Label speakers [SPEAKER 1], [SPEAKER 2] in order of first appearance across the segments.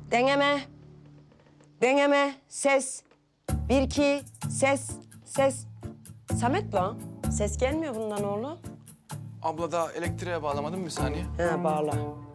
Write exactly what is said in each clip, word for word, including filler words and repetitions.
[SPEAKER 1] Deneme. Deneme. Ses. Bir, iki. Ses. Ses. Samet lan. Ses gelmiyor bundan oğlum.
[SPEAKER 2] Abla daha elektriğe bağlamadın mı bir saniye?
[SPEAKER 1] Ha bağla.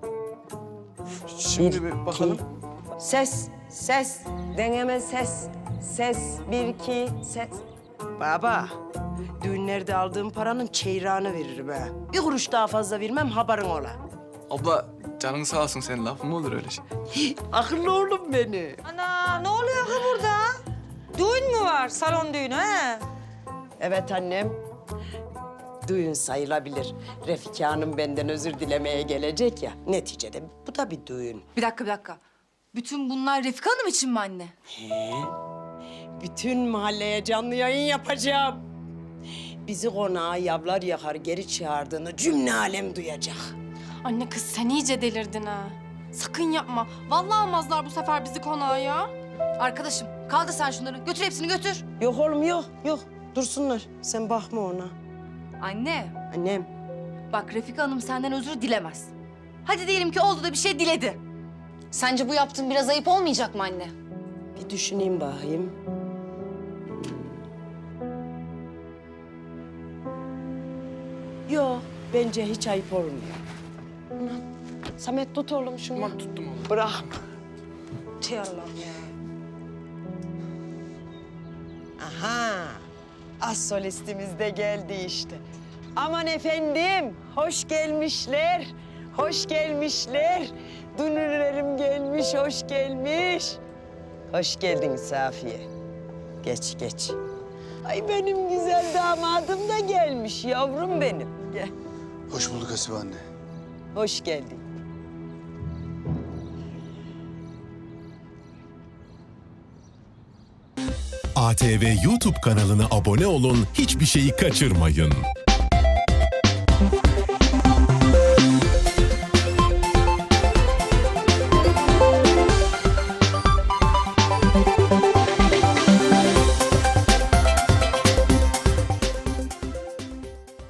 [SPEAKER 2] Şimdi
[SPEAKER 1] Bir,
[SPEAKER 2] bir bakalım.
[SPEAKER 1] Ses. Ses. Deneme ses. Ses. Bir, iki. Ses. Baba. Düğünlerde aldığım paranın çeyrağını veririm ha. Bir kuruş daha fazla vermem haberin ola.
[SPEAKER 2] Abla canın sağ olsun, senin lafın mı olur öyle şey?
[SPEAKER 1] Akıllı oğlum beni.
[SPEAKER 3] Ana ne oluyor ki burada? Düğün mü var? Salon düğünü he?
[SPEAKER 1] Evet annem. Düğün sayılabilir. Refika Hanım benden özür dilemeye gelecek ya. Neticede bu da bir düğün.
[SPEAKER 4] Bir dakika, bir dakika. Bütün bunlar Refika Hanım için mi anne?
[SPEAKER 1] He? Bütün mahalleye canlı yayın yapacağım. Bizi konağa yavlar yakar geri çağırdığını cümle alem duyacak.
[SPEAKER 5] Anne kız sen iyice delirdin ha. Sakın yapma. Vallahi almazlar bu sefer bizi konağa ya.
[SPEAKER 4] Arkadaşım kaldır sen şunları. Götür hepsini götür.
[SPEAKER 1] Yok oğlum yok, yok. Dursunlar. Sen bakma ona.
[SPEAKER 4] Anne
[SPEAKER 1] Annem.
[SPEAKER 4] bak Refika Hanım senden özür dilemez. Hadi diyelim ki oldu da bir şey diledi. Sence bu yaptığın biraz ayıp olmayacak mı anne?
[SPEAKER 1] Bir düşüneyim bakayım. Yok, bence hiç ayıp olmuyor. Ulan, Samet tut oğlum şunu.
[SPEAKER 2] Tamam tuttum oğlum.
[SPEAKER 1] Bırak.
[SPEAKER 3] Tey Allah'ım ya.
[SPEAKER 1] Aha, az solistimiz de geldi işte. Aman efendim, hoş gelmişler, hoş gelmişler. Dünürlerim gelmiş, hoş gelmiş. Hoş geldin Safiye. Geç, geç. Ay benim güzel damadım da gelmiş, yavrum benim. Gel,
[SPEAKER 6] Hoş bulduk Hasibe anne.
[SPEAKER 1] hoş geldin.
[SPEAKER 7] A T V YouTube kanalına abone olun, hiçbir şeyi kaçırmayın.